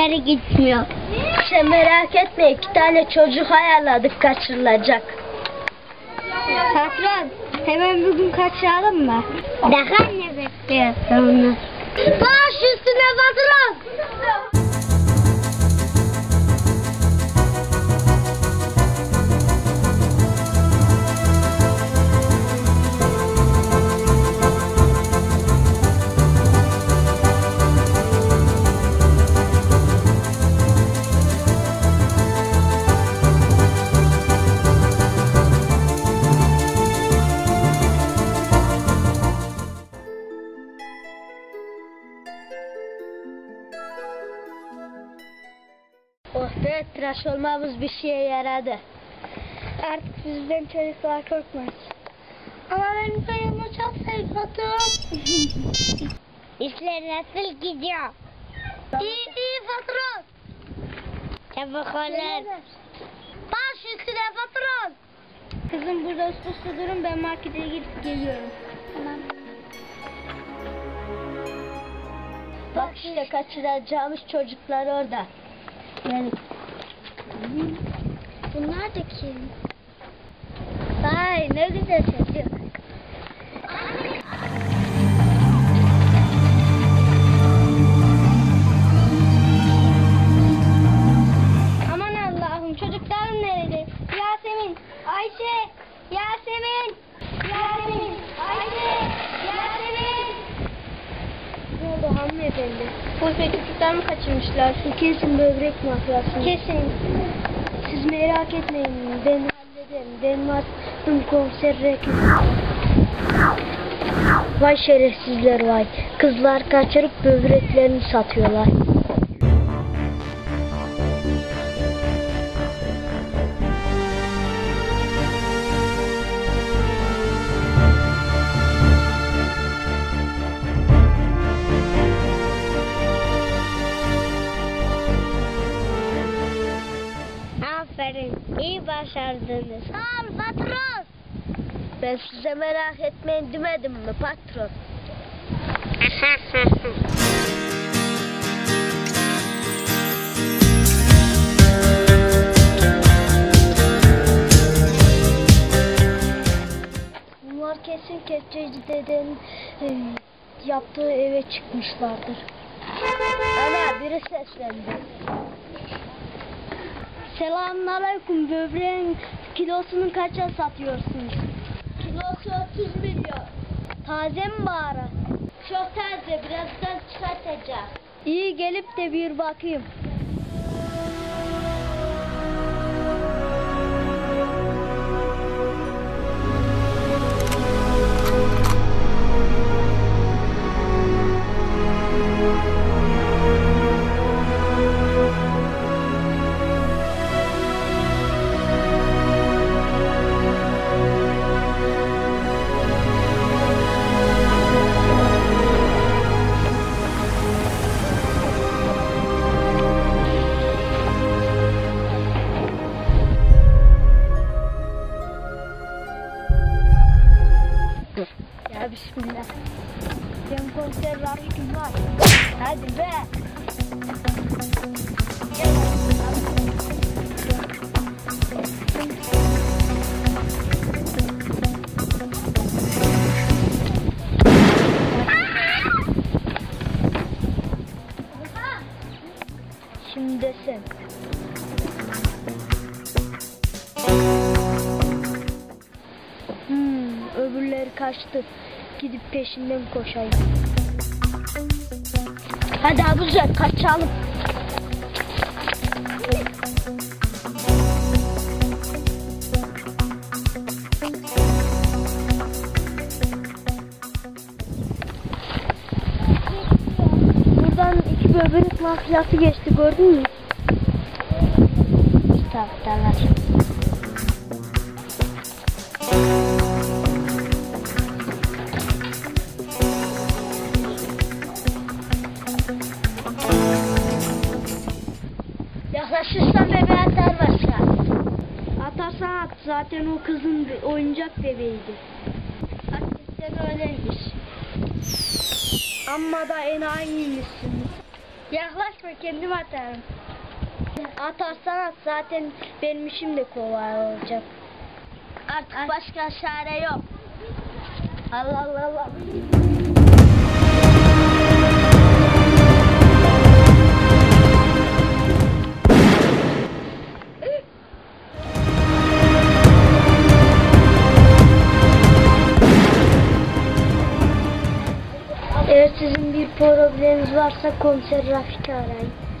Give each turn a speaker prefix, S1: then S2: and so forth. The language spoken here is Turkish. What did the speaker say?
S1: yere gitmiyor.
S2: Sen merak etme, 2 tane çocuk ayarladık kaçırılacak.
S1: Patron, hemen bugün kaçıralım mı? Daha ne bekliyorsun?
S2: Baş üstüne patron. Oh be, tıraş olmamız bir şeye yaradı.
S1: Artık bizden çocuklar korkmaz. Ama benim kayımı çok sevdim. İşler nasıl gidiyor?
S2: İyi patron.
S1: Çabuk olun.
S2: Baş üstüne patron.
S1: Kızım burada üst durun, ben markete gidip geliyorum. Tamam.
S2: Bak işte kaçıracağımız çocuklar orada.
S1: Yani. Bunlar da kim? Vay ne güzel çocuk. Aman Allah'ım, çocuklarım nerede? Yasemin, Ayşe, Yasemin, Yasemin, Ayşe, Yasemin.
S2: Ne oldu hanımefendi?
S1: Polis çocuklar mı kaçırmışlar?
S2: Kesin böbrek mafyası.
S1: Kesin.
S2: Siz merak etmeyin, ben hallederim. Benim adım komiser Rekim. Vay şerefsizler vay. Kızlar kaçırıp böbreklerini satıyorlar.
S1: Aferin, iyi başardınız.
S2: Sağ ol patron. Ben size merak etmeyin demedim mi patron? Bunlar kesin kepçeci dedenin yaptığı eve çıkmışlardır. Ana biri seslendi. Selamünaleyküm, böbreğin kilosunu kaça satıyorsunuz? Kilosu 30 milyon. Taze mi bari? Çok taze, birazdan çıkartacağım. İyi, gelip de bir bakayım. Ya bismillah. Sen konser Rahim var. Hadi be. Şimdi sen. Öbürleri kaçtı. Gidip peşinden koşayım. Hadi Abuzer kaçalım. Buradan 2 böbrek mafyası geçti, gördün mü? Taraftarlar. Yaklaşırsan bebeğe atar başka. Atarsan at. Zaten o kızın oyuncak bebeğiydi. Hakikaten öyleymiş. Amma da enayiymişsin.
S1: Yaklaşma, kendim atarım.
S2: Atarsan at, zaten benim işim de kolay olacak. Artık başka çare yok. Allah Allah Allah. Eğer sizin bir probleminiz varsa komiser Rafik'i arayın.